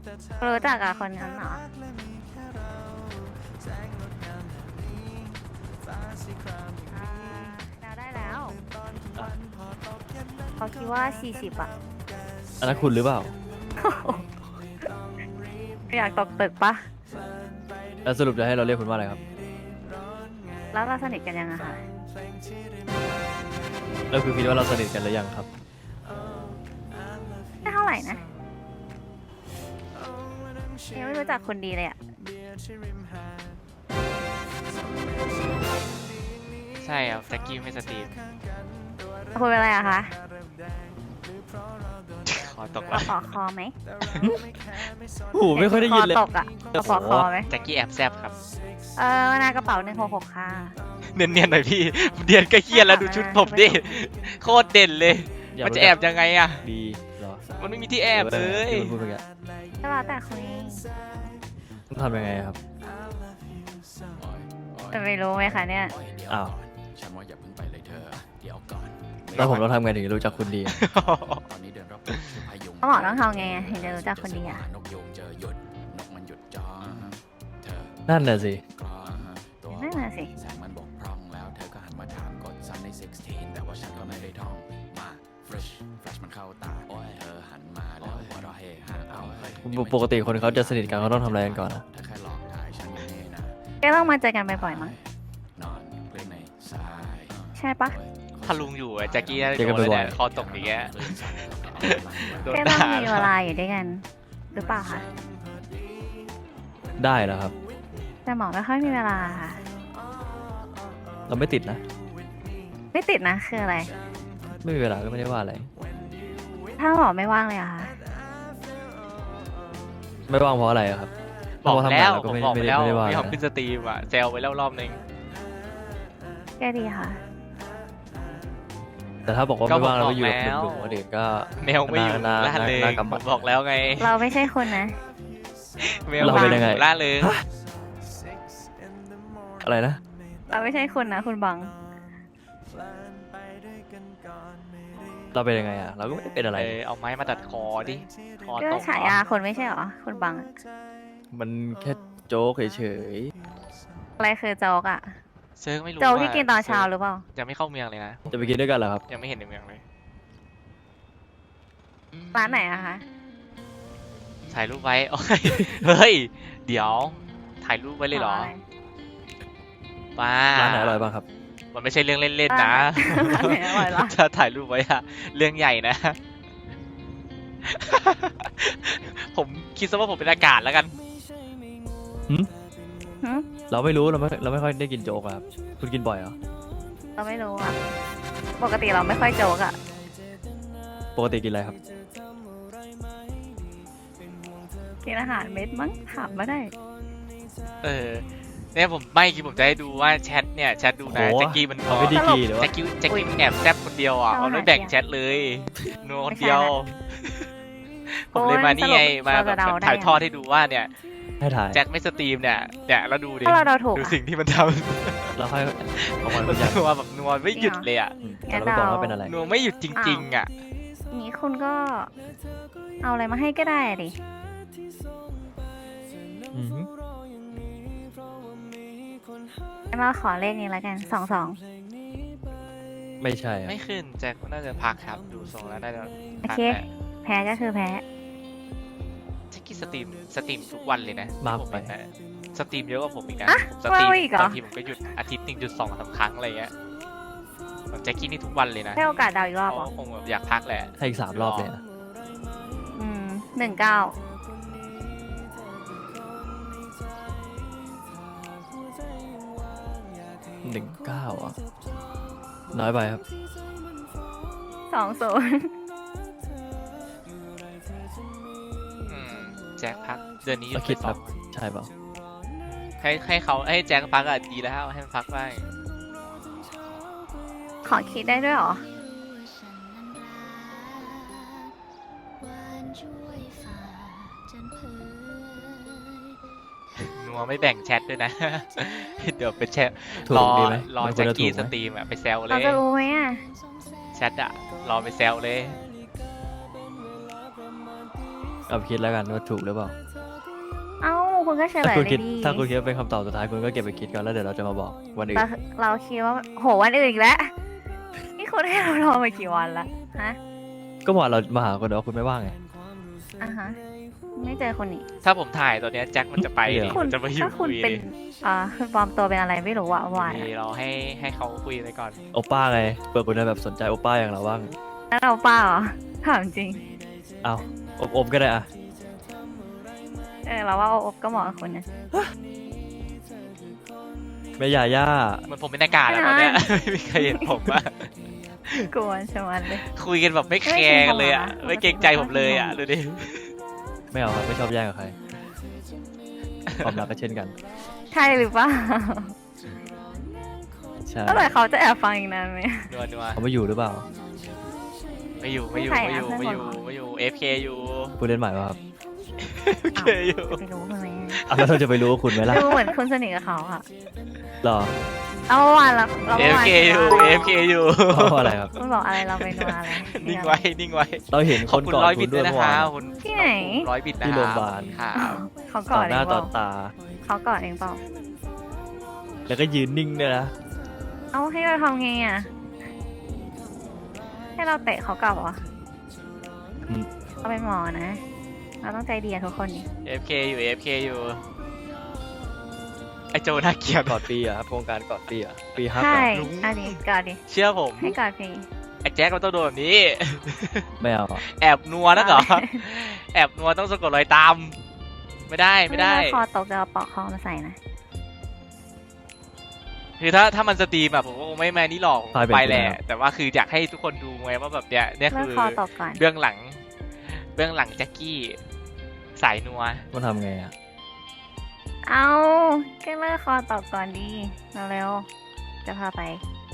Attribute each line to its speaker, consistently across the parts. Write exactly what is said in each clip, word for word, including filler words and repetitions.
Speaker 1: รู้จักกับคนนั้นเหรออ่าเดาได้แล้วเขาคิดว่าสี่สิบอ่ะ
Speaker 2: อันนั้นคุณหรือเปล่า
Speaker 1: อยากตกตึกปะ
Speaker 2: แล้วสรุปจะให้เราเรียกคุณว่าอะไรครับ
Speaker 1: แล้วเราสนิทกันยังอะคะ
Speaker 2: แล้วคือคิดว่าเราสนิทกันหรือยังครับ
Speaker 1: ไม่เท่าไหร่นะยังไม่รู้จักคนดีเลยอะ
Speaker 3: ใช่ครับแจ็คกี้ไม่สตรีม
Speaker 1: คุยเป็นอะไรอะคะ
Speaker 3: ขอตก
Speaker 1: ปอ
Speaker 3: ละ
Speaker 1: ขอคอไหม
Speaker 2: โอ้โหไม่ค่อยได้ยินเลย
Speaker 1: คอตกอะปอคอไหม
Speaker 3: แจ็คกี้แอบแซบครับ
Speaker 1: เออหน้ากระเป๋าหนึ่งหกหกค่ะ
Speaker 3: เนียนๆหน่อยพี่เนียนก็เฮียแล้วดูชุดผมดิโคตรเด่นเลย
Speaker 2: อยาก
Speaker 3: มัน
Speaker 2: รู้
Speaker 3: จะ
Speaker 2: จัก
Speaker 3: แอบยังไงอะ
Speaker 2: ดีเหรอ
Speaker 3: มันไม่มีที่แอบเลย
Speaker 2: ที่คุณพูดไปแก
Speaker 1: ก็แล้วแต่คุย
Speaker 2: ต้องทำยังไงครับ
Speaker 1: จะไม่รู้ไหมคะเนี่ย
Speaker 2: อ้าว
Speaker 4: ฉันว่าอย่าเพิ่งไปเลยเธอ เดี๋ยวก่อน
Speaker 2: แล้วผมต้องทำไงถึงจะรู้จักคุณดีอะ
Speaker 4: ตอนนี้เดินรอบพายุ
Speaker 1: ต้องบอกต้องทำไงอะถึงจะรู้จักคนดีอะ
Speaker 4: นกยูงเจอหยุด นกมันหยุดจ้องเธอ
Speaker 2: นั่นน่ะสิ
Speaker 4: กรองตัว
Speaker 1: นั่นน่ะสิ
Speaker 4: แสงมันบกพร่องแล้วเธอก็หันมาถามกดซ้ำในสิบหกแต่ว่าฉันก็ไม่ได้ท่อง มา fresh flash มันเข้าตาโอ้ยเธอหันมาแล้วหัวเราะเฮฮาเอาเฮ้ย
Speaker 2: ปกติคนเขาจะสนิทกันเขาต้องทำอะไรกันก่อนนะ
Speaker 4: เธอแค่หลอกถ่ายฉันอยู่นี่นะ
Speaker 1: ก็ต้องมาเจอกันบ่อยๆมั้ง
Speaker 4: นอนเพื่อนในสาย
Speaker 1: ใช่ปะ
Speaker 3: ถ้าลุงอยู่อะแจ็คกี้น่าจะ
Speaker 2: เจอ
Speaker 3: โด
Speaker 2: กัน
Speaker 3: นเลย
Speaker 2: บ่อย
Speaker 3: เนี่ยคอตกอย่างเงี้ยโดน
Speaker 1: ก็ต้
Speaker 3: ด่า
Speaker 1: องมีเวลาอยู่ด้วยกัน หรือเปล่าคะ
Speaker 2: ได้แล้วครับ
Speaker 1: แต่หมอไม่ค่อยมีเวลาค่ะ
Speaker 2: เราไม่ติดนะ
Speaker 1: ไม่ติดนะคืออะไร
Speaker 2: ไม่มีเวลาก็ไม่ได้ว่าอะไร
Speaker 1: ถ้าหมอไม่ว่างเลยอะค่ะ
Speaker 2: ไม่ว่างเพราะอะไรอะครับ
Speaker 3: บอก
Speaker 2: เพราะทำ
Speaker 3: แล้
Speaker 2: งาน
Speaker 3: ว
Speaker 2: เรา
Speaker 3: ผ
Speaker 2: ก็
Speaker 3: ม
Speaker 2: ไม่
Speaker 3: บอกไป
Speaker 2: ไม่ได้
Speaker 3: แล้ว
Speaker 2: ไม่ได้ว่า
Speaker 3: พี่หอม
Speaker 2: อะไร
Speaker 3: ขึ้นสตรีมอะแซวไปแล้วรอบนึง
Speaker 1: ก็ดีค่ะ
Speaker 2: แต่ถ้าบอกว่า
Speaker 3: ก็
Speaker 2: ไม่ว่างเรา
Speaker 3: ผม
Speaker 2: ก็อยู่กับ
Speaker 3: บอกแล้ว
Speaker 2: หนุ่มๆคนอื่นก็
Speaker 3: แมวไม่อยู่
Speaker 2: น่า
Speaker 3: ล่า
Speaker 2: น่า
Speaker 3: เริง
Speaker 2: น่ากำ
Speaker 3: ผ
Speaker 2: บัด
Speaker 3: มบอกแล้วไง
Speaker 1: เราไม่ใช่คนนะ
Speaker 3: แมว
Speaker 2: เราเป็นยังไง
Speaker 3: ล่าเริง
Speaker 2: ฮะอะไรนะ
Speaker 1: เราไม่ใช่คนนะคุณบัง
Speaker 2: เราเป็นยังไงอะเราก็ไม่ได้เป็นอะไร
Speaker 3: เออเอาไม้มาตัดคอดิคอ
Speaker 1: ก็
Speaker 3: ตก
Speaker 1: ฉายาคนไม่ใช่เหรอ คุณบังอะ
Speaker 2: มันแค่โจ๊กเฉย
Speaker 1: อะไรคือโจ๊กอะ
Speaker 3: เซิร์ฟไม่รู้
Speaker 1: โจ๊ก
Speaker 3: ว่า
Speaker 1: ที่กินตอนเช้าหรือเปล่า
Speaker 3: ยังไม่เข้าเมืองเลยนะ
Speaker 2: ๆจะไปกินด้วยกันเหรอครับ
Speaker 3: ยังไม่เห็นในเมืองเลย
Speaker 1: ร้านไหนอะคะ
Speaker 3: ถ่ายรูปไว้ โอ้ยเฮ้ย เดี๋ยว ถ่ายรูปไว้เลยเหรอ
Speaker 1: ะไ
Speaker 3: ป้า
Speaker 2: ร้านไหนอร่อยบ้างครับ
Speaker 3: มันไม่ใช่เรื่องเล่นๆนะ
Speaker 1: ร้านไหนอร่อยเหรอ
Speaker 3: ถ้าถ่ายรูปไว้อะเรื่องใหญ่นะ ผมคิดซะว่าผมเป็นอากาศแล้วกัน
Speaker 1: หึ
Speaker 2: เราไม่รู้เราไม่เราไม่ค่อยได้กินโจ๊กอะครับ คุณกินบ่อยเหรอ
Speaker 1: เราไม่รู้อะปกติเราไม่ค่อยโจ๊กอะ
Speaker 2: ปกติกินอะไรครับ
Speaker 1: กินอาหารเม็ดมั้งถามมาได้
Speaker 3: เออเนี่ยผมไม่คิดผมจะให้ดูว่าแชทเนี่ยแชทดูนะ
Speaker 2: โอ้โห
Speaker 3: แจ็คกี้มัน
Speaker 2: เอาไปดีกีหรือว่า
Speaker 3: แจ็คกี้แจ็คกี้มันแอบแซบคนเดียวอ่ะ
Speaker 1: เอา
Speaker 3: เอาไม่
Speaker 1: หา
Speaker 3: แบ่ง
Speaker 1: เสียง
Speaker 3: แชทเลยนัวคน
Speaker 1: ไม่ใช่
Speaker 3: เดียว
Speaker 1: นะ
Speaker 3: ผมเลยมานี่ไง
Speaker 1: โอ้ย
Speaker 3: มา
Speaker 1: สรุป
Speaker 3: แบบ
Speaker 1: เราจะเดาได้
Speaker 3: ถ่าย
Speaker 1: ยัง
Speaker 3: ทอดให้ดูว่าเนี่ย
Speaker 2: ให้ถ่าย
Speaker 3: แจ็คไม่สตรีมเนี่ยเนี่ยแล้วดูดิ
Speaker 1: ถ้าเราเดาถูก
Speaker 3: ดู
Speaker 1: อะ
Speaker 3: สิ่งที่มันท
Speaker 2: เราค่อยเอามา
Speaker 3: ำ
Speaker 2: คุ
Speaker 3: มัน
Speaker 2: ยกัน
Speaker 3: นัวแบบนัวไม่หยุดเลยอ่ะ
Speaker 2: อืมแต่เราไม่บอกว่าเป็นอะไร
Speaker 3: นัวไม่หยุดจริงๆอ่ะ
Speaker 1: นี้คุณก็ เอาอะไรมาให้ก็ได้อะดิ
Speaker 2: อือหือ
Speaker 1: งั้นเราขอเลขนี้แล้วกันสองสอง
Speaker 2: ไม่ใช่อะ
Speaker 3: ไม่ขึ้นแจ็คน่าจะพักครับดูทรงแล้วน่าจะ
Speaker 1: โอ
Speaker 3: พัก
Speaker 1: เค
Speaker 3: แหละ
Speaker 1: แพ้ก็คือแพ้
Speaker 3: แจ็คกี้สตรีมสตรีมทุกวันเลยนะ
Speaker 2: มาก
Speaker 3: ผม
Speaker 2: ไป
Speaker 3: เห็นนะสตรีมเยอะกว่าผมอีกนะ
Speaker 1: อะ
Speaker 3: ผมสตรีม
Speaker 1: ว่าอีกเหรอ
Speaker 3: บางทีผมก็หยุดอาทิตย์หนึ่งจุดสองสามครั้งอะไรเงี้ยผมแจ็คกี้นี่ทุกวันเลยนะ
Speaker 1: ให้โอกาสเดาอีกรอบ
Speaker 3: เขา
Speaker 1: เหรอ
Speaker 3: คงแบบอยากพักแหละ
Speaker 2: ให้อีกสามรอบเลยนะ
Speaker 1: อืมหนึ่งเก้า
Speaker 2: หนึ่งเก้าอ่ะ น้อยไปครับ
Speaker 1: สองศูนย์
Speaker 3: อืมแจ็คพักเดือนนี้หยุ
Speaker 2: เรา
Speaker 3: ด
Speaker 2: คิด
Speaker 3: ไป
Speaker 2: ค
Speaker 3: ส
Speaker 2: รั
Speaker 3: อบ ง
Speaker 2: ใช่เปล่า
Speaker 3: ให้ให้เขาให้แจ็คพักอ่ะดีแล้วให้มันพักบ้าง
Speaker 1: ขอคิดได้ด้วยเหรอ
Speaker 3: นัวไม่แบ่งแชทด้วยนะ เดี๋ยวเป็นแชท
Speaker 2: ถู
Speaker 3: ร
Speaker 2: ก
Speaker 3: อ
Speaker 2: ดีไหม
Speaker 3: รอ
Speaker 2: มันคว
Speaker 3: แจ็
Speaker 2: ร
Speaker 3: ค
Speaker 2: จะถู
Speaker 3: กี้
Speaker 2: กไห
Speaker 3: ส
Speaker 2: ม
Speaker 3: ตรีมอ่ะไปแซวเล
Speaker 1: เรา
Speaker 3: ย
Speaker 1: จะรู้ไหมอ่ะ
Speaker 3: แชทอ่ะรอไปแซวเลย
Speaker 2: เอาไปคิดแล้วกันว่าถูกหรือเปล่า
Speaker 1: เอ้าคุณก็เฉล
Speaker 2: ถ้าย คุณ
Speaker 1: เล
Speaker 2: คิด
Speaker 1: ยดิ
Speaker 2: ถ้าคุณคิดว่าเป็นคำตอบสุดท้ายคุณก็เก็บไปคิดก่อนแล้วเดี๋ยวเราจะมาบอกวันอื่น
Speaker 1: เราเราคิดว่าโหวันอื่นอีกแล้วนี่คุณให้เรารอมากี่วันละฮะ
Speaker 2: ก็บอกเรามาหาคนเดียวคุณไม่ว่างไง
Speaker 1: อ่ะฮะไม่เจอคนนี้
Speaker 3: ถ้าผมถ่ายตัวเนี้ยแจ็คมันจะไป
Speaker 2: เดี๋
Speaker 3: ดิ
Speaker 2: ยว
Speaker 1: คุณ
Speaker 3: มันจะมาอยู่
Speaker 1: ถ้าคุ
Speaker 3: คุ
Speaker 1: ณ
Speaker 3: ย
Speaker 1: เป็น
Speaker 3: ดิ
Speaker 1: อ่าคือปลอมตัวเป็นอะไรไม่รู้อะเมื่อวาน
Speaker 3: นี่
Speaker 1: อะ
Speaker 3: เราให้ให้เขาคุยไปก่อน
Speaker 2: โอป้าไงเปิดคุณจะแบบสนใจโอป้าอย่างเราบ้าง
Speaker 1: แล้วเราเปล่าเหรอถามจริง
Speaker 2: เอาอบอมก็ได้อะ
Speaker 1: เออเราว่าโอบก็เหมาะกับคุณนะ
Speaker 2: ไม่ยาย่า
Speaker 3: เหมันผมเป็นอากาศแล้วตอนเนี้ย ไม่มีใครเห็นผมอะ
Speaker 1: กวนชะมันเลย
Speaker 3: คุยกันแบบไม่แคร์กันเลยอะ
Speaker 1: ไม่
Speaker 3: ไม่
Speaker 1: เก
Speaker 3: เก
Speaker 1: ร
Speaker 3: รง ง
Speaker 1: ใจ
Speaker 3: ใจ
Speaker 1: ผ
Speaker 3: ผม ม
Speaker 1: เล
Speaker 3: เลย ย
Speaker 1: อะ
Speaker 3: อะดูดิ
Speaker 2: ไม่เอาครับไม่ชอบแย่งกับใคร ความรักก็เช่นกัน
Speaker 1: ใช่หรือเปล่า
Speaker 2: ใช่
Speaker 1: เมื่อไหร่เขาจะแอบฟังอีกนานไหม
Speaker 3: นัวนัว
Speaker 2: เขาไม่อยู่หรือเปล่า
Speaker 3: ไม่อยู่ไม่อยู่
Speaker 1: ใคร
Speaker 3: ไม่
Speaker 1: อะ
Speaker 3: อยู่
Speaker 1: เพื่
Speaker 3: ไม่
Speaker 1: อน
Speaker 3: อยู่
Speaker 1: บอก
Speaker 3: ไม่อยู่เอฟเคอยู่
Speaker 2: ผู้เล่นใหม่ป่ะครับ
Speaker 3: เอฟเคอยู่
Speaker 1: จะไปรู้ทำไม
Speaker 2: อ่ะแล้วเราจะไปรู้ว่าคุณไหมล่ะ
Speaker 1: ดูเหมือนคุณสนิทกับเขาอะ
Speaker 2: หรอ
Speaker 1: เอาเมื่อวานเราเรา
Speaker 3: เอ
Speaker 1: เมื่อ
Speaker 3: ฟ
Speaker 1: วาน
Speaker 3: เคอยู่
Speaker 1: คุ
Speaker 3: เอฟเคอยู่
Speaker 2: เพราะอะไรครับ
Speaker 1: ณบอกอะไรเราไปนัวอะไร
Speaker 3: นิ่งไว้นิ่งไว้
Speaker 2: เราเห็น
Speaker 3: ข
Speaker 2: ค
Speaker 3: อบ
Speaker 2: น
Speaker 3: คุณ
Speaker 2: ก่อน
Speaker 3: ร้อย
Speaker 2: คุ
Speaker 3: บิต
Speaker 2: ณ
Speaker 3: ด้
Speaker 2: ด้
Speaker 3: ว
Speaker 2: วย ย
Speaker 3: นะ
Speaker 2: เมื่อ
Speaker 3: คะ
Speaker 2: วาน
Speaker 3: คุณ
Speaker 1: ที่ไหน
Speaker 3: ร้อยบิตนะ
Speaker 2: ที่โรงพยาบาล
Speaker 3: ครับ
Speaker 1: เขาก
Speaker 2: ต่
Speaker 1: อ
Speaker 2: อ
Speaker 1: ด
Speaker 2: ห
Speaker 1: เอ
Speaker 2: น้าง
Speaker 1: เป
Speaker 2: ต่อ
Speaker 1: ล่า
Speaker 2: ตา
Speaker 1: เขากอดเองเปล่า
Speaker 2: แล้วก็ยืนนิ่งด้วยนะ
Speaker 1: เอาให้เราทำไงอะให้เราเตะเขากลับเหรอ
Speaker 2: อืม
Speaker 1: เราเป็นหมอนะ เราต้องใจดีกับทุกคนดิ
Speaker 3: เอฟเคอยู่เอฟเคอยู่ไอโจน่าเกลียด
Speaker 2: กอดปีอะครับโครงการกอดปีอะปีฮัก
Speaker 1: ใช่
Speaker 2: อะ
Speaker 3: ลุง
Speaker 1: เอาดิกอดดิ
Speaker 3: เชื่อผม
Speaker 1: ให้กอดฟรี
Speaker 3: ไอแจ็คมันต้องโดนแบบนี้
Speaker 2: ไม่เอาอะ
Speaker 3: แอบนัวนะเหรอ แอบนัวต้องสะกดรอยตาม ไม่ได้ไม่ได้
Speaker 1: ถ้าคอตกจะเอาปลอกคอมาใส่นะ
Speaker 3: คือถ้าถ้ามันสตรีมอะผมก็คงไม่แมนี่หรอกผม
Speaker 2: พายเป็น
Speaker 3: ไปแหละ
Speaker 2: ไปแล้ว
Speaker 3: แต่ว่าคืออยากให้ทุกคนดูไงว่าแบบเนี้ยเนี่ย
Speaker 1: เลิก
Speaker 3: คือ
Speaker 1: คอตกก่อน
Speaker 3: เบื้องหลัง เบื้องหลังแจ็คกี้สายนัว
Speaker 2: มันทำไงอะ
Speaker 1: เอาก็เลิกคอตกก่อนดีเร็วๆจะพาไป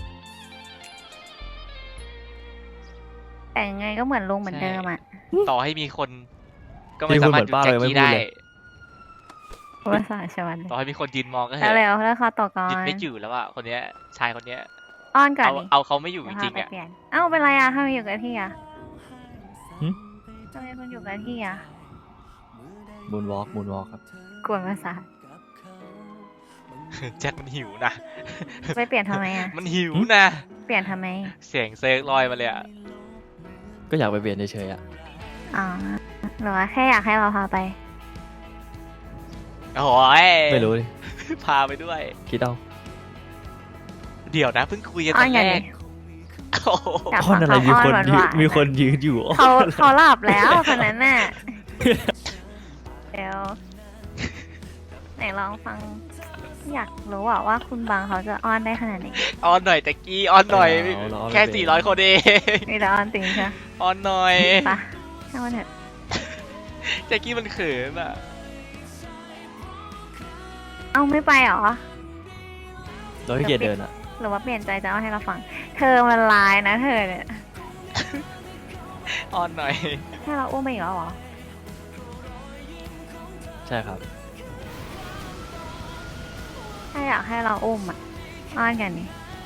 Speaker 1: แต่ยังไงก็เหมือนลุงเหมือนเดิมอ่ะ
Speaker 3: ต่อให้มีคน ก็ไม่สามารถหยุดแจ็คกี้ได้
Speaker 1: ภาษาชวันเลย
Speaker 3: ต่อให้มีคนยืนมองก็เถ
Speaker 1: แล้วเร็
Speaker 3: อะ
Speaker 1: วเลิกคอตกก่อน
Speaker 3: ยืนไม่อยู่แล้วอะคนเนี้ยชายคนเนี้ย
Speaker 1: อ้อนก่อน
Speaker 3: เอา
Speaker 1: ดิ
Speaker 3: เอาเขาไม่อยู่
Speaker 1: จะ
Speaker 3: จ
Speaker 1: พา
Speaker 3: ริง
Speaker 1: ไป
Speaker 3: ๆอะ
Speaker 1: เปลี่ยน เอ้าเป็นไรอ่ะทำไมอยู่กับที่อ่ะ
Speaker 2: หึ
Speaker 1: ทำไมคุณอยู่กับที่อ่ะ
Speaker 2: มูนวอล์กมูนวอล์กครับ
Speaker 1: กวนภาษาท
Speaker 3: แจ็คมันหิวนะ
Speaker 1: ไปเปลี่ยนทำไมอ่ะ
Speaker 3: มันหิวนะ
Speaker 1: เปลี่ยนทำไม
Speaker 3: เสียงเซิร์กลอยมาเลยอะ
Speaker 2: ก็อยากไปเปลี่ยนเฉยๆอะ
Speaker 1: อ๋อหรือว่าแค่อยากให้เราพาไป
Speaker 3: โอ้ย
Speaker 2: ไม่รู้ดิ
Speaker 3: พาไปด้วย
Speaker 2: คิดเอา
Speaker 3: เดี๋ยวนะเพิ่งคุยกัน
Speaker 1: อ้
Speaker 3: ต
Speaker 1: อ
Speaker 3: อน น
Speaker 1: ไง
Speaker 3: แร
Speaker 1: ดิ
Speaker 3: กโอ้โห
Speaker 1: อยาก
Speaker 2: อ้อนอะไร
Speaker 1: ฟัง
Speaker 2: มี
Speaker 1: เขา
Speaker 2: คน
Speaker 1: อ้อน
Speaker 2: ยื
Speaker 1: หวาน นๆ
Speaker 2: มีคนยืนอยู่
Speaker 1: เขาเขาหลับแล้วคนนั้นน่ะ เดี๋ยวไหนลองฟัง อยากรู้อะว่าคุณบางเขาจะอ้อนได้ขนาดไหน
Speaker 3: ออนหน่อยแจ็คกี้ออนหน่อย
Speaker 2: เอาเราเอา
Speaker 3: แค่
Speaker 2: เรา
Speaker 3: สี่ร้อยคนเอง
Speaker 1: มีแต่อ้อนจริงใช่ไหม
Speaker 3: ออนหน่อย
Speaker 1: ปะช่างมันเถอะ
Speaker 3: แจ็คกี้มันเขินอะ
Speaker 1: เอาไม่ไปเหรอ
Speaker 2: เราขี้เกียจเดินอะ
Speaker 1: หรือว่าเปลี่ยนใจจะอ้อนให้เราฟัง เธอมันลายนะเธอเนี่ย
Speaker 3: ออนหน่อย
Speaker 1: ให้เราอุ้มไปอีกแล้วเหรอ
Speaker 2: ใช่ครับ
Speaker 1: ถ้าอยากให้เราอุ้มอะอ้อนกันนี่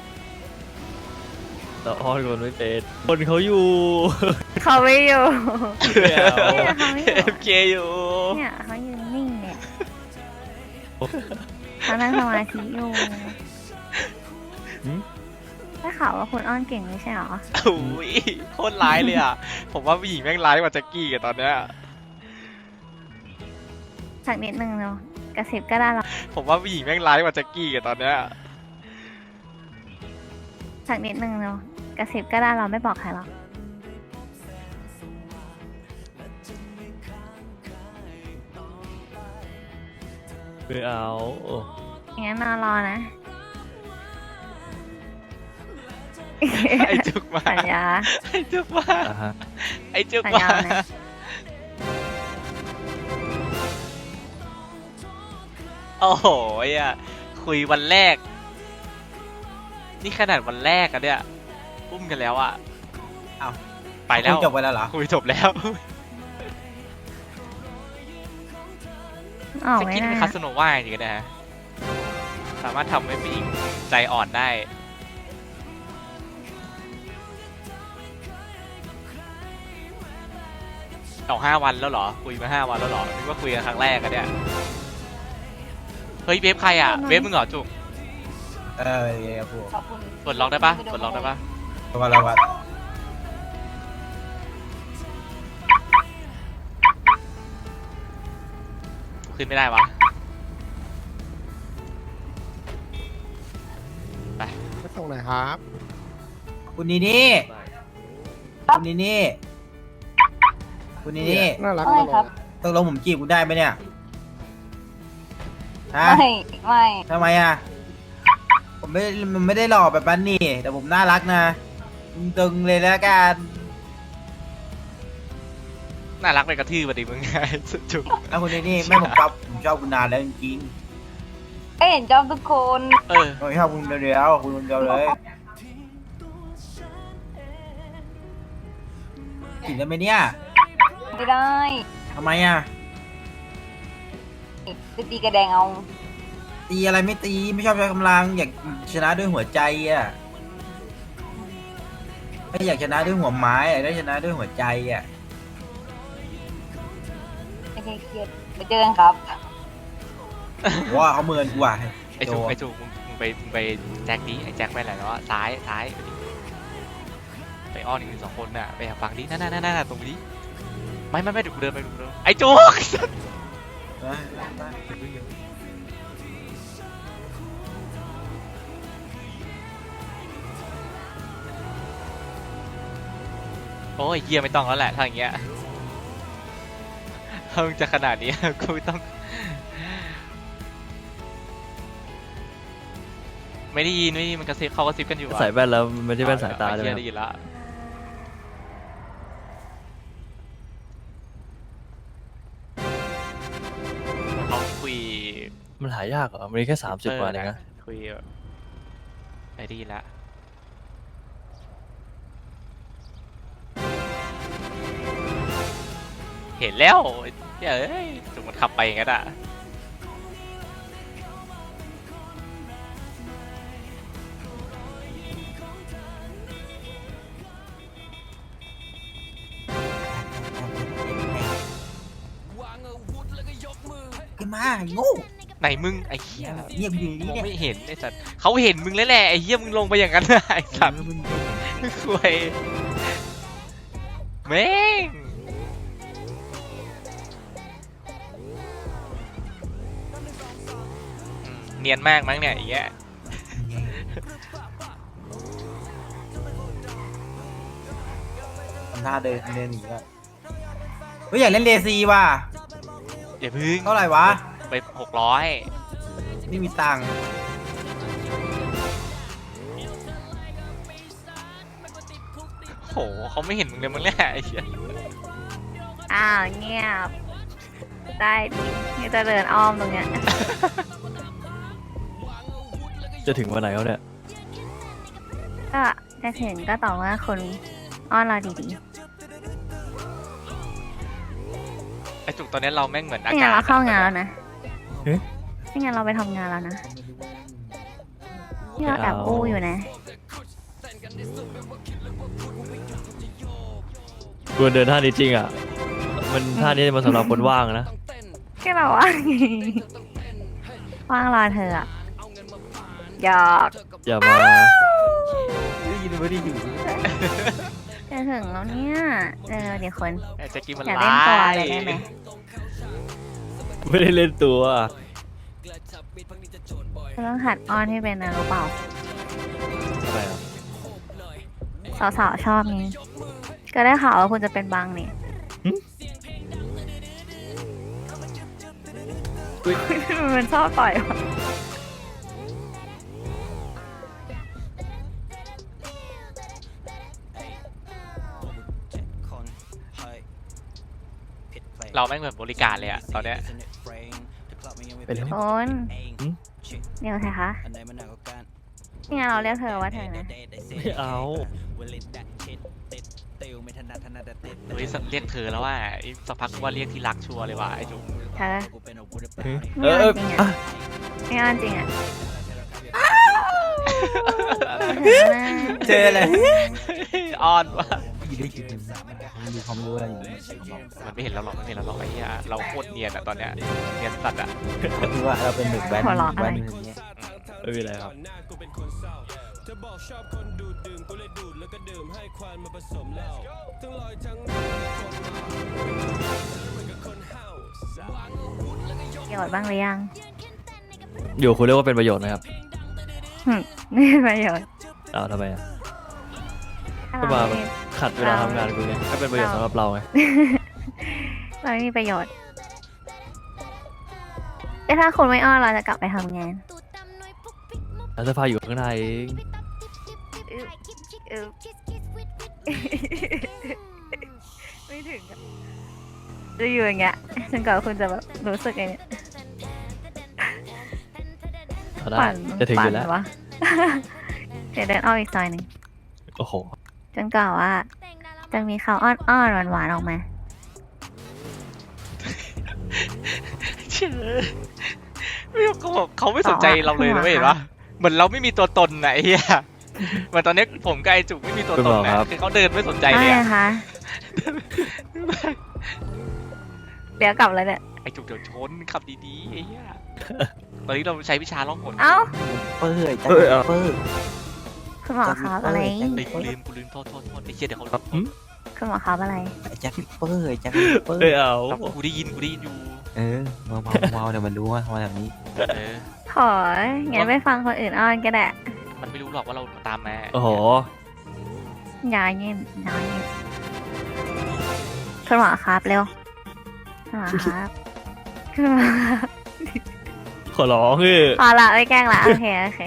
Speaker 2: แต่อ้อนคนไม่เป็นคนเขาอยู่
Speaker 1: เขาไม่อยู่
Speaker 2: ไม่เอา
Speaker 1: เนี่ยเขาไม่อยู่
Speaker 3: เอฟเคอยู่
Speaker 1: เนี่ยเขายืนนิ่งเนี่ยเขานั่งสมาธิอยู่
Speaker 2: หืม
Speaker 1: ได้ข่าวว่าคุณอ้อนเก่งไม่ใช่เหรอ
Speaker 3: โอ้ยโคตรร้ายเลยอะผมว่าผู้หญิงแม่งร้ายกว่าแจ็คกี้กันตอนเนี้ย
Speaker 1: สักนิดนึงเนาะกระซิบก็ได้หรอก
Speaker 3: ผมว่าผู้หญิงแม่งร้ายกว่าแจ็คกี้กันตอนเนี้ย
Speaker 1: สักนิดนึงเนาะกระซิบก็ได้เราไม่บอกใครหรอก
Speaker 2: ไม่เอาโอ้
Speaker 1: งั้นนอนรอนะ
Speaker 3: ไอจุกมา
Speaker 1: สัญญา
Speaker 3: ไอจุกมา
Speaker 2: อ่ะฮะ
Speaker 3: ไอจุก
Speaker 1: สัญ
Speaker 3: มา
Speaker 1: ญานะ
Speaker 3: โอ้โหอ่ะคุยวันแรก นี่ขนาดวันแรกอะเนี่ยอุ้มกันแล้วอะ
Speaker 5: อ้าว
Speaker 3: ไปแล้ว
Speaker 5: คุยจบไปแล้วเหรอ
Speaker 3: คุยจบแล้ว
Speaker 1: ออก
Speaker 3: จะ
Speaker 1: ไม่
Speaker 3: กิน
Speaker 1: ได้
Speaker 3: เป็นคาสโนว่าจริงๆนะฮะสามารถทำให้ผู้หญิงใจอ่อนได้เอาห้าวันแล้วเหรอคุยมาห้าวันแล้วเหรอนึกว่าคุยกันครั้งแรกอะเนี่ยเฮ้ยเวฟใครอะเวฟมึงเหรอจุก
Speaker 5: เออเย้ครับผม
Speaker 1: ขอบคุณ
Speaker 3: ปลดล็อกได้ปะปลดล็อกได้ปะ
Speaker 5: ตัวละวัด
Speaker 3: ขึ้นไม่ได้วะไป
Speaker 6: มาส่งหน่อยครับ
Speaker 5: คุณนี่นี่คุณนี่นี่คุณนี่นี่
Speaker 6: น่ารัก
Speaker 1: ไม่
Speaker 6: ตล
Speaker 1: ครั
Speaker 6: อบ ด
Speaker 5: ตกลงผมจีบคุณได้ไหมเนี่ยฮะ
Speaker 1: ไม่ไม่
Speaker 5: ทำไมอ่ะผมไม่มันไม่ได้หล่อแบบนั้นนี่ แต่ผมน่ารักนะตึงๆเลยแล้วกัน
Speaker 3: น่ารักไปกระทืบมาดิมึงไงจุก
Speaker 5: แล้วคุณนี่นี่ไม่ผมชอบผมชอบคุณนานแล้วจริง
Speaker 1: เอ้ยเห็นชอบทุกคน
Speaker 3: เออ
Speaker 5: ๆผมชอบคุณเดียวๆคุณคนเดียวเลยจีบได้ไหมเนี่ย
Speaker 1: ไม่ได้
Speaker 5: ทำไมอ่ะ
Speaker 1: จะตีกระแดงเอา
Speaker 5: ตีอะไรไม่ตีไม่ชอบใช้กำลังอยากชนะด้วยหัวใจอ่ะไม่อยากชนะด้วยหัวไม้อยากได้ชนะด้วยหัวใจอ่ะ
Speaker 1: โอเคเครียดไปเจอกันครับ
Speaker 5: ว่าเขาเมินกูว่ะ
Speaker 3: ไอจุกไอจุกมึงมึงไปมึงไปแจ็คดิไอแจ็คไปไหนแล้วอะซ้ายซ้ายไปอ้อนอีกหนึ่งสองคนน่ะไปหาฟังดินั่นนั่นนั่นตรงนี้ไม่ไม่ไม่เดี๋ยวกูเดินไปกูเดินไอจุก
Speaker 5: นะ
Speaker 3: โอ้ยเฮียไม่ต้องแล้วแหละถ้าอย่างเงี้ยถ้ามึงจะขนาดนี้ กูไม่ต้อง ไม่ได้ยินไม่ได้ยินมันกระซิบเขากระซิบกันอยู่อะ
Speaker 2: ใส่แว่นแล้วมันไม่ใช่แว่นสายตา
Speaker 3: เอ
Speaker 2: ใช่ไหม
Speaker 3: เหี้ยได้ยินละเขาคุย
Speaker 2: มันหายากเหรอมันมีแค่สามสิบกว่าเองนะ
Speaker 3: คุยแบบไม่ได้ยินละเห็นแล้วเฮ้ยเอ้ยจุกมันขับไปอย่างนั้นอ่ะ
Speaker 5: ขึ้นมาไอ้โง่
Speaker 3: ไหนมึงไอ้เหี้ย
Speaker 5: เงียบอยู่
Speaker 3: มอง
Speaker 5: นี่
Speaker 3: ไม่
Speaker 5: เนี่ย
Speaker 3: เห็นไอ้สัตว์เขาเห็นมึงแล้วแหละไอ้เหี้ยมึงลงไปอย่างนั้นน่ะไอ้สัตว์
Speaker 5: เออมึง
Speaker 3: คุยแม่งอืมเนียนมากมั้งเนี่ยไอ้เงี้ย
Speaker 5: ทำท่าเดินเดินหนีแล้วเฮ้ยอยากเล่นเลซีว่ะ
Speaker 3: อย่าพึ่ง
Speaker 5: เท่าไหร่วะ
Speaker 3: ไปหกร้อย
Speaker 5: ไม่มีตังค์
Speaker 3: โหเขาไม่เห็นมึงเลยมึงแหละไอ้เหี้ย
Speaker 1: อ้าวเงียบ ได้ดินี่จะเดินอ้อมตรงเนี้ย
Speaker 2: จะถึงวันไหนแล้วเนี่ย
Speaker 1: ก็จะถึงก็ต่อเมื่อคนอ้อนเราดี
Speaker 3: ไอ้จุกตอนนี้เราแม่งเหมือน
Speaker 1: ๆ
Speaker 3: อา
Speaker 1: ไม่งั้
Speaker 3: กาน ศ
Speaker 1: เราเข้างานแล้วนะ
Speaker 2: เอ๊ะ
Speaker 1: ไม่งั้นเราไปทำงานแล้วนะที่เราแอบอู้อยู่นะ
Speaker 2: กูเดินท่านี้จริงอ่ะ มันท่านี้มันสำหรับคนว่างนะ
Speaker 1: แค่เราว่างไงว่างรอเธออะหยอก
Speaker 2: อย่ามา
Speaker 5: ได้ยินไม่ได้อยู่
Speaker 1: จะถึงแล้วเนี่ยเออเดี๋ยวคน
Speaker 3: ไอ้แจ็คกี้มัน
Speaker 1: อยากเล่นตัวอะไรได้ไหม
Speaker 2: ไม่ได้เล่นตัว
Speaker 1: เราต้องหัดอ้อนให้เป็นนะรู้เปล่า
Speaker 2: ทำไมอ่ะ
Speaker 1: สาวๆชอบนี่ก็ได้ข่าวว่าคุณจะเป็นบางนี่มันชอบต่อยวะ
Speaker 3: เราแม่งเหมือนบริการเลยอะตอนเนี้ย
Speaker 2: ไปเลย
Speaker 1: คุณเดี๋ยวใช่คะนี่ไงเราเรียกเธอว่าเธอนะ
Speaker 2: ไม่เอา
Speaker 3: เฮ้ยเรียกเธอแล้วว่าอีกสักพักว่าเรียกที่รักชัวร์เลยว่ะไอ้จุก
Speaker 1: เธอ
Speaker 2: เฮ้ย
Speaker 1: ไม่
Speaker 2: เออ
Speaker 1: เอา
Speaker 2: เออ
Speaker 1: จริงอ่ะ
Speaker 2: อ่ะ
Speaker 1: ไม่เอาจริงอ่ะ
Speaker 5: เจออะไร
Speaker 3: อ้อนว่ะ
Speaker 5: อยู่ได้ยินรู้เขาไม่รู้อะไรอยู่มันเขาบอก
Speaker 3: มันไม่เห็นเราหรอกมันไม่เห็นเราหรอกไอ้เหี้ยเราโคตรเนียนอะตอนเนี้ยเนียนสัตว์อะ
Speaker 5: เขาคิดว่าเราเป็นเด็กแว้น
Speaker 1: หัวเราะอะไร
Speaker 5: แว้นอะไรเงี้ย
Speaker 2: ไม่มีอะไรครับ
Speaker 1: ประโยชน์บ้างหรือยัง
Speaker 2: อยู่คุณเรียกว่าเป็นประโยชน์นะครับ
Speaker 1: หึไม่มีประโยชน์
Speaker 2: อ้าวทำไมอ่ะ
Speaker 1: ถ้า
Speaker 2: ก็
Speaker 1: เรา
Speaker 2: มา
Speaker 1: ไม่
Speaker 2: ขัดเวลาทำงานกูไงก็เป็นประโยชน์สำหรับเราไง
Speaker 1: เราไม่มีประโยชน์แต่ถ้าคุณไม่อ้อนเราจะกลับไปทำงาน
Speaker 2: แล้วเสื้อผ้าอยู่ข้างในเอง
Speaker 1: อึ๊บอึ๊บไม่ถึงอะจะอยู่อย่างเงี้ยจนกว่าคุณจะแบบรู้สึกไงเนี่ย
Speaker 2: เอาได้
Speaker 1: ปั่น
Speaker 2: จะถึงอยู่แล้ว
Speaker 1: ปั่นวะ เดี๋ยวเดินอ้อมอีกซอยหนึ่ง
Speaker 2: โอ้โห
Speaker 1: จนกว่าว่า จะมีเขาอ้อนอ้อนหวานหวานๆออกมา
Speaker 3: เชื่อไม่รู้เขาบอกเขาไม่สนใจเราเลยนะไม่เห็นปะเหมือนเราไม่มีตัวตนไหนเฮียเหมือนตอนนี้ผมกับไอจุกไม่มีตัวตนนะคือเขาเดินไม่สนใจเลย
Speaker 1: ได้
Speaker 3: อะ
Speaker 1: นะคะ เดี๋ยวกลับแล้วเนี่ย
Speaker 3: ไอจุกเดี๋ยวชนขับดีๆไอ้เหี้ยตอนนี้เราใช้วิชาล่องหน
Speaker 1: เอ้า
Speaker 5: เปื่อยจัง
Speaker 2: เอ้ยเอา
Speaker 5: เปื่อย
Speaker 1: คุณหมอครับอะไร
Speaker 3: เฮ้ยกูลืมกูลืมโทษโทษโทษไอ้เหี้ยเดี๋ยวเขา
Speaker 2: หืม
Speaker 1: คุณหมอครับอะไร
Speaker 5: ไอ้แจ็คเปื่อยแจ็คเปื่อ
Speaker 2: เอ้
Speaker 5: ย
Speaker 2: ยเอา
Speaker 3: เอากูได้ยินกูได้ยินอยู่
Speaker 5: เออเมาเมาเมาเดี๋ยวมันรู้ว่ามาแบบนี้
Speaker 3: เออ
Speaker 1: ของั้นไปฟังคนอื่นอ้อนก็ได้
Speaker 3: มันไม่รู้หรอกว่าเราตามมา
Speaker 2: โอ้โห
Speaker 1: อย่าเงียบอย่าเงียบคุณหมอครับเร็วคุณหมอครับคุณหมอครับ
Speaker 2: ขอร้องคือ
Speaker 1: พอละไม่แกล้งละโอเคโอเค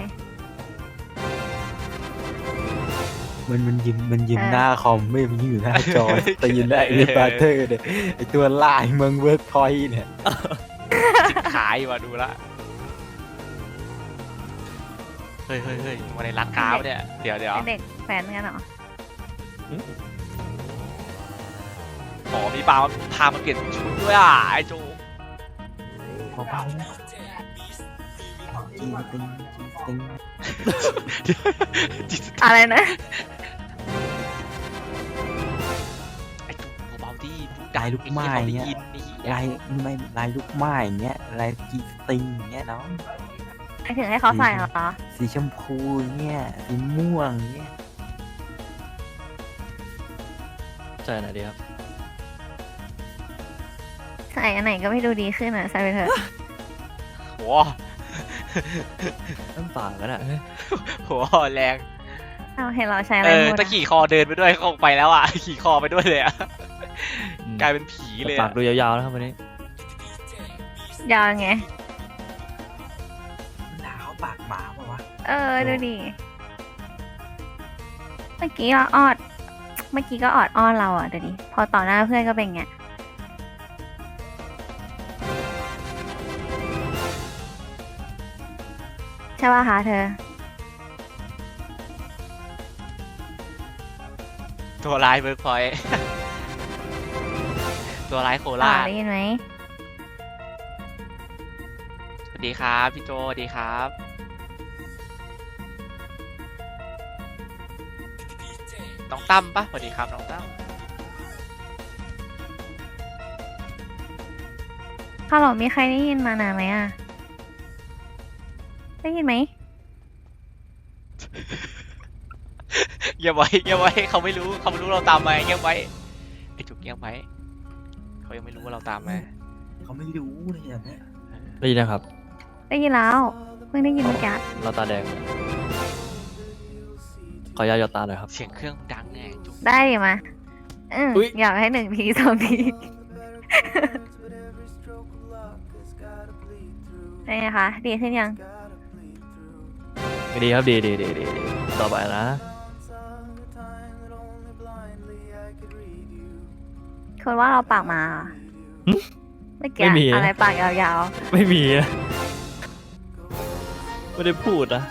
Speaker 5: มันมันยิ้มมันยิ้ม
Speaker 1: เออ
Speaker 5: หน้าคอมไม่มันยิ้มอยู่หน้าจอแต่ยินได้ไอ้บาร์เทอร์เนี่ยไอ้ตัวลายเมืองเวิร์กพอยต์เนี่ย
Speaker 3: จิบขายว่ะดูละเฮ้ยเฮ้ยเฮ้ยมาในร้านค้าวะเนี่ยเดี๋ยวเดี๋ยว
Speaker 1: เป็นเด็กแฟนกันเหรอ
Speaker 3: หมอมีปลาพามาเปลี่ยนชุดด้วยอ่ะไอ้โจ
Speaker 5: เบาๆนะจีนตึงจีนตึง
Speaker 3: จิต
Speaker 1: อะไรนะ
Speaker 3: ไอ้โจเบาๆดิดู
Speaker 5: ลายลูกไม้
Speaker 3: ไอ้
Speaker 5: เงี้ย
Speaker 3: เหี้ยเขาได้ยินนี่
Speaker 5: ลายไม่ลายลูกไม้อย่างเงี้ยลายจีนตึงอย่างเงี้ยน้อง
Speaker 1: ไปถึงให้เขาใส่เหรอ
Speaker 5: สีชมพูเงี้ยสีม่วงเงี้ย
Speaker 2: ใจไหนดีครับ
Speaker 1: ใส่อันไหนก็ไม่ดูดีขึ้นอ่ะใส่ไปเถอะ
Speaker 3: โห
Speaker 2: น้ำปากกันอ่ะเฮ้ย
Speaker 3: โหแรง
Speaker 1: เอาเห็นเราใช้อะ
Speaker 3: เอ
Speaker 1: ไร
Speaker 3: อ
Speaker 1: พูด
Speaker 3: ตะ
Speaker 1: อะ
Speaker 3: ขี่คอเดินไปด้วยเขาไปแล้วอ่ะ ขี่คอไปด้วยเลยอ่ะ
Speaker 2: อืม
Speaker 3: กลายเป็นผีเลย
Speaker 2: ปา
Speaker 3: อะ
Speaker 2: กดูยาวๆนะครับวันนี้
Speaker 1: ยาวไง
Speaker 5: หนาวปากหมาปะวะ
Speaker 1: เออดูดิเมื่อกี้เราออด เมื่อกี้ก็ออดอ้อนเราอ่ะเดี๋ยวนี้พอต่อหน้าเพื่อนก็เป็นไงใช่ป่ะคะเธอ
Speaker 3: ตัวร้ายเบิร์กพอยต์ ตัวร้ายโค
Speaker 1: ต่อ
Speaker 3: ราช
Speaker 1: ได้ยินไหม
Speaker 3: สวัสดีครับพี่โจสวัสดีครับ น้องตั้มปะสวัสดีครับน้องตั้ม
Speaker 1: ฮัลโหลมีใครได้ยินมานานไหมอ่ะ ได้ยินไหม
Speaker 3: เงียบไว้เงียบไว้เขาไม่รู้เขาไม่รู้เราตามมาเงียบไว้ไอ้จุกเงียบไว้เขายังไม่รู้ว่าเราตามมา
Speaker 5: เขาไม่รู้เลยอย่างเนี้ย
Speaker 2: ได้ยินนะครับ
Speaker 1: ได้ยินแล้ว เพิ่งได้ยินเมื่อกี้
Speaker 2: เราตาแดง ขออนุญาตหยอดตาหน่อยครับ
Speaker 3: เสียงเครื่องดังไงจุก
Speaker 1: ได้ดิมาอืม
Speaker 2: อุ๊ย
Speaker 1: อยากให้หนึ่งทีสองทีเป็นไงคะ ดีขึ้นยัง
Speaker 2: ดีครับดีดีดีดีดีต่อไปนะ
Speaker 1: คุณว่าเราปากหมาเหรอ
Speaker 2: หึ
Speaker 1: เมื่อกี้
Speaker 2: ไม่มีนะ
Speaker 1: อะไรปากยาว
Speaker 2: ไม่มีนะไม่ได้พูดนะ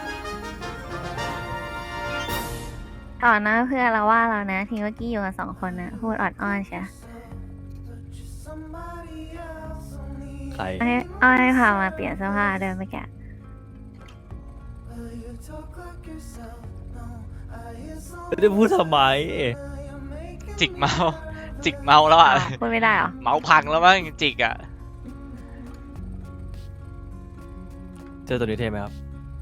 Speaker 1: ๆต่อหน้าเพื่อนเราว่าเรานะ ทีเมื่อกี้อยู่กันสองคนนะพูดออดอ้อนใช่
Speaker 2: ใคร
Speaker 1: อ้อนอ้อนให้พามาเปลี่ยนเสื้อผ้าเดินเมื่อกี้
Speaker 2: ไม่ได้พูดทำไม
Speaker 3: จิกเมาส์จิกเมาแล้วอ่ะ
Speaker 1: พูดไม่ได้เหรอ
Speaker 3: เมาพังแล้วมั้งจิกอ่ะ
Speaker 2: เจอตัวนี้เท่ไหมครับ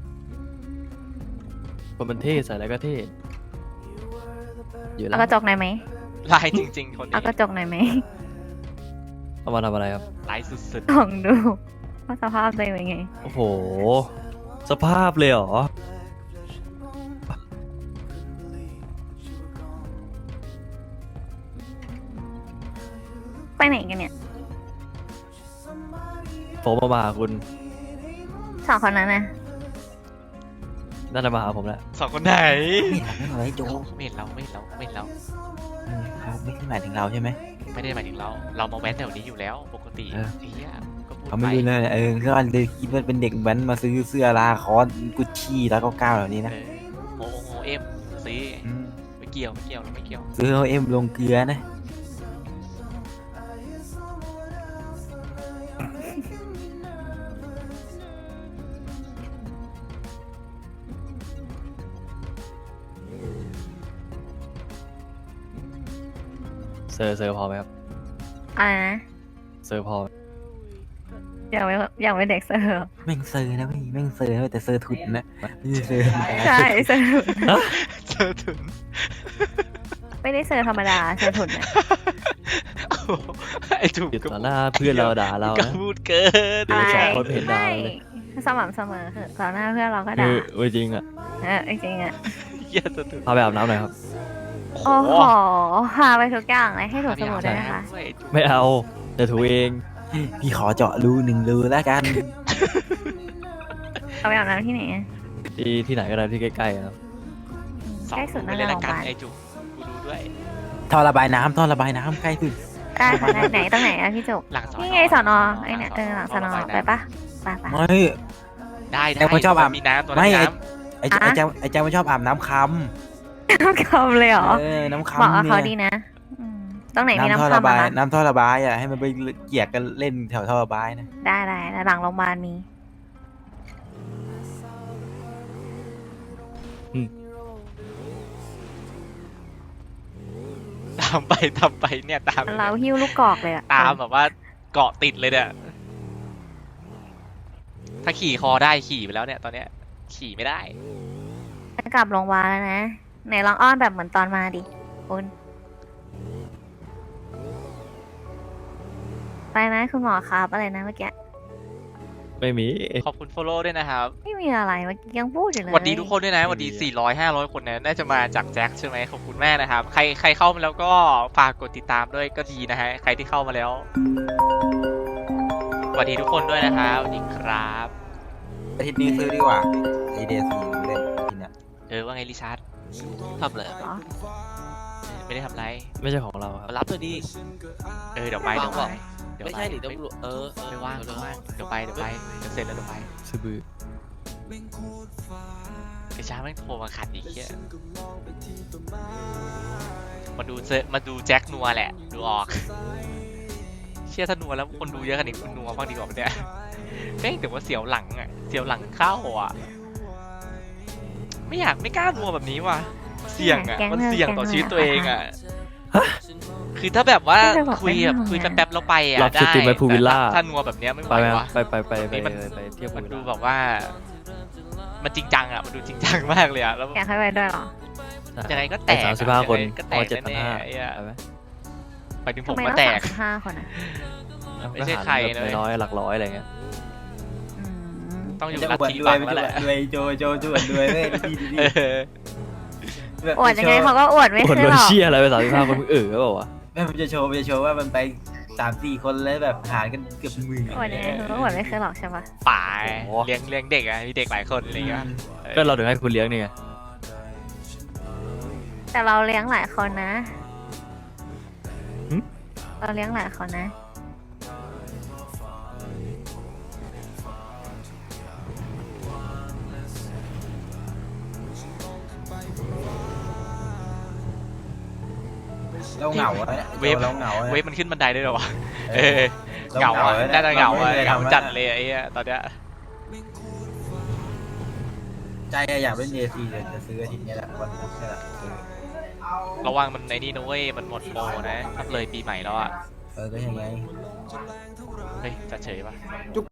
Speaker 2: คนมันเท่ใส่อะไรก็เท่อยู่แล้
Speaker 1: เอา
Speaker 2: ว
Speaker 1: กระจกหน่อยไหม
Speaker 3: ลายจริง ๆ คน
Speaker 1: เอา
Speaker 3: นี้
Speaker 1: กระจกหน่อยไหม
Speaker 2: เอามาทำอะไรครับ
Speaker 3: ลายสุด
Speaker 1: ลองดูว่าสภาพตัวเองเป็นไง
Speaker 2: โอ้โห สภาพเลยเหรอ
Speaker 1: ไปไหนกันเนี่ย
Speaker 2: ผมมามาหาคุณ
Speaker 1: สองคนนั้นนะ
Speaker 2: น่าจะมาหาผมแหละ
Speaker 3: ๆสองคนไหน
Speaker 5: ไม่เห็นไม่เห็นอะไรโจ
Speaker 3: ไม่เห็นเราไม่เห็นเราไม่เห็นเรา
Speaker 5: เออเขาไม่ได้หมายถึงเราใช่ไหม
Speaker 3: ไม่ได้หมายถึงเรา เรามาแว้นแถวนี้อยู่แล้วปกติ
Speaker 5: เออ
Speaker 3: ไอ้เหี้ยก็พูด
Speaker 5: เขา
Speaker 3: ไป
Speaker 5: ไม่รู้นะเออก็อันเลยคิดว่าเป็นเด็กแว้นมาซื้อเสื้อลาคอสกุชชี่แล้วก็ก้าวแบบนี้
Speaker 3: เอ
Speaker 5: นะ
Speaker 3: อโอโอเอ็มซี
Speaker 5: ม
Speaker 3: ไม่เกี่ยวไม่เกี่ยวเราไม่เกี่ยว
Speaker 5: ซื้อเอาเอ็มลงเกลือนะ
Speaker 2: เซอร์เซอร์พอไหมครับ
Speaker 1: อะไรนะ
Speaker 2: เซอร์พอไหม
Speaker 1: อยากไปอยากไปเด็กเสิร์ฟ
Speaker 5: แม่งเซอร์นะพี่แม่งเซอร์นะแต่เซอร์ทุนนะไม่ใช่เซอร์
Speaker 1: ใช่เสิร์ฟ
Speaker 3: เจอถึง
Speaker 1: ไม่ได้เสิร์ฟธรรมดาเสิร์ฟถุนนะ
Speaker 3: ไอ้ถูก
Speaker 2: อยู่
Speaker 3: ก็
Speaker 2: ต่อหน้าเพื่อนเราด่าเรา
Speaker 3: ก็
Speaker 2: นะ
Speaker 3: พูดเกิน
Speaker 2: เดี๋ยวสองคนเห็นดาว
Speaker 1: ไม่
Speaker 2: เลย
Speaker 1: สม่ำเสมอคือต่อหน้าเพื่อนเราก็
Speaker 2: เอ
Speaker 1: ด่า
Speaker 2: อเว้ยจริงอ่ะ
Speaker 1: เออจริงๆอ่ะ
Speaker 3: เหี้ยจะถึง
Speaker 2: พาไปอาบน้ำหน่อยครับ
Speaker 1: โอ้โหพาไปทุกอย่างเลยให้ถูกสมุดด้วยนะคะ
Speaker 2: ไม่เอาเดี๋ยวถูเอง
Speaker 5: พี่ขอเจาะรูหนึ่งรูแล้วกัน
Speaker 1: เอาไปอาบน้ำที่ไหนอะ
Speaker 2: ที่ที่ไหนก็ได้ที่ใกล้ๆครับ
Speaker 3: สอง
Speaker 1: ใกล้สุด
Speaker 3: ไป
Speaker 1: นั่นแห
Speaker 3: เลย
Speaker 1: ละ
Speaker 3: ละ
Speaker 1: โรงพ
Speaker 3: กัน
Speaker 1: ยาบาล
Speaker 3: ไอ้จุกกูดูด้วย
Speaker 5: ท่อระบายน้ำท่อระบายน้ำใกล้สุด
Speaker 1: ได้ค่ะได้ไหนตรงไหนอะพี่จุก
Speaker 3: หลังสอน
Speaker 1: นี่ไงสอนอไอ้เนี่ยเออหลังสอนอไปปะไปปะ
Speaker 5: ไม่
Speaker 3: ได้ได้
Speaker 5: แต่คนชอบอาบ
Speaker 3: มีน้ำตัว
Speaker 5: ไม่
Speaker 3: น้ำ
Speaker 5: ไอ้ไอ้แจไอ้แจไอ้แจมันชอบอาบน้ำค
Speaker 1: น้ำคำเลยเหรอ
Speaker 5: ำเออน้ำคำ
Speaker 1: บอกกับเขาดี
Speaker 5: เนี่ย
Speaker 1: นะอืมตรงไหนมี
Speaker 5: น้ำท่อ
Speaker 1: น้ำ
Speaker 5: ระ
Speaker 1: คำ
Speaker 5: บา
Speaker 1: อะ
Speaker 5: ย
Speaker 1: คะ
Speaker 5: น้ำท่อระบายอ่ะให้มันไปเกี่ยกกันเล่นแถวท่อระบายนะ
Speaker 1: ได้ได้แต่หลังโรงพยาบาลมี
Speaker 3: ตามไปตามไปเนี่ยตาม
Speaker 1: เราหิ้วลูกกอกเลยอะ
Speaker 3: ตามแบบว่าเกาะติดเลยเนี่ยถ้าขี่คอได้ขี่ไปแล้วเนี่ย ตอนเนี้ย ขี่ไม่ได้
Speaker 1: จะกลับโรงพยาบาลแล้วนะไหนลองอ้อนแบบเหมือนตอนมาดิคุณไปนะคุณหมอครับอะไรนะเมื่อกี้
Speaker 2: ไม่มี
Speaker 3: ขอบคุณ follow ด้วยนะครับ
Speaker 1: ไม่มีอะไรเมื่อกี้ยังพูดอยู่เลย
Speaker 3: สวัสดีทุกคนด้วยนะสวัสดีสี่ร้อย ห้าร้อยคนเนี่ยน่าจะมาจากแจ็คใช่ไหมขอบคุณแม่นะครับ ใครใครเข้ามาแล้วก็ฝากกดติดตามด้วยก็ดีนะฮะ ใครที่เข้ามาแล้วสวัสดีทุกคนด้วยนะครับสวัสดีครับ
Speaker 5: อาทิตย์นี้ซื้อดีกว่าไอเดียสี่เล่นอาทิตย์เนี้ย
Speaker 3: เออว่าไงริชาร์ดทำเลย
Speaker 1: เหรอ
Speaker 3: ไม่ได้ทำไร
Speaker 2: ไม่ใช่ของเราครับ
Speaker 6: รับเลยดิ
Speaker 3: เออเดี๋ยวไปเดี๋ยวไปเดี๋ยว
Speaker 6: ไม่
Speaker 3: ไป
Speaker 6: ใช่ดิต้องรู้เออเออ
Speaker 3: ไม่ว่างไม่ว่างเดี๋ยวไปเดี๋ยวไปเดี๋ยวเสร็จแล้วเดี๋ยวไป
Speaker 2: ซื้อบือ
Speaker 3: ริชาร์ดแม่งโทรมาขัดอีกเหี้ยมาดูเจมาดูแจ็คนัวแหละดูออก เชื่อถ้านัวแล้วคนดูเยอะขนาดนี้คุณนัวบ้างดีกว่าปะเนี่ยเฮ้ยแต่ว่าเสียวหลังอ่ะเสียวหลังเข้าอ่ะไม่อยากไม่กล้านัวแบบนี้ว่ะเสี่ยงอ่ะมันเสี่ยงต่อชีวิตตัวเองอ่ะคือถ้าแบบว่าคุยแบบคุยแป๊บๆแล้วไปอ่ะ
Speaker 2: รับ
Speaker 3: ได้
Speaker 2: สตรีมไปพูวิลล่า
Speaker 3: แต่ถ้านัวแบบเนี้ยไม่ไห
Speaker 2: ไป
Speaker 3: ว
Speaker 2: ไหม
Speaker 3: วะ
Speaker 2: ไปไปไปไป
Speaker 3: นี่มัน
Speaker 2: ไปเที่ยวพู
Speaker 3: มัน
Speaker 2: วิล
Speaker 3: ดู
Speaker 2: ล่า
Speaker 3: แบบว่า มันจริงจังอ่ะมันดูจริงจังมากเลยอ่ะแล้ว
Speaker 1: อยากให้ไปด้วยเหรอ
Speaker 3: ยังไงก็แตก
Speaker 2: สามสิบห้าคน
Speaker 3: ยังไงก็แตก
Speaker 2: เจ็ดพัน
Speaker 3: แน่
Speaker 2: ห้า
Speaker 3: ๆไอ้เหี้ย
Speaker 2: ไปไหม
Speaker 3: ไปถึงผ
Speaker 1: ทำ
Speaker 3: ม
Speaker 1: ไม
Speaker 3: ก็
Speaker 1: ต้อง
Speaker 3: แต
Speaker 1: สาก มสิบห้าคนอ่ะ
Speaker 3: ไม่ใช่ใคร
Speaker 2: ก็
Speaker 3: นะ
Speaker 2: หารแบบน้อยๆหลักร้อยอะไรเงี้ย
Speaker 1: อืม
Speaker 3: ต้องอยู่
Speaker 5: จะ
Speaker 3: ลัท
Speaker 5: อวด
Speaker 3: ธิ
Speaker 5: รว
Speaker 3: บั
Speaker 5: ย
Speaker 3: ง
Speaker 5: ไป
Speaker 3: แล้วแหละ
Speaker 5: รวยโจโจจวดรวยเว้ยดีดีดี
Speaker 3: เออ
Speaker 5: แบบ
Speaker 1: อวดยังไงเขาก็อวดไม่
Speaker 2: คน
Speaker 1: ขึ้น
Speaker 2: โด
Speaker 1: ห
Speaker 2: น
Speaker 1: รอก
Speaker 2: เชี่ยอะไรไปสามสิบห้าคนมึงเออก็บอกว่า
Speaker 5: แม่มันจะโชว์มันจะโชว์ว่ามันไปสามสี่คนแล้วแบบหารกันเกือบหมื่น
Speaker 1: อวดยังไงเขาก็อวดไม่ขึ้นหรอกใช่ปะ
Speaker 3: ป่าเลี้ยงเลี้ยงเด็กอ่ะมีเด็กหลายคนอะไรเงี้ย
Speaker 2: ก็เราถึงให้คุณเลี้ยงนี่ไง
Speaker 1: แต่เราเลี้ยงหลายคนนะเราเลี้ยงหลายคนนะ
Speaker 5: เราเหงาอะเราเหงาอะ
Speaker 3: เวฟมันขึ้นบันไดได้หรอวะ
Speaker 5: เอ
Speaker 3: เอ
Speaker 5: อ
Speaker 3: อเหงาอ่ะน่าจะเหงาอ่ะ
Speaker 5: รไม่คย
Speaker 3: เหงา
Speaker 5: ทำ
Speaker 3: จัดเลยไอ้เหี้ยตอนเนี้ย
Speaker 5: ใจอะอยากเล่นเจซีแต่จะซื้ออาทิตย์นี้แหละวันพุธนี่แหละซื้อ
Speaker 3: ระวังมันไอ้นี่นะเว้ยมันหมดโปรนะถ้าเลยปีใหม่แล้วอ่ะ
Speaker 5: เออก็ยังไง
Speaker 3: เฮ้ยจะเฉยปะ
Speaker 5: จุก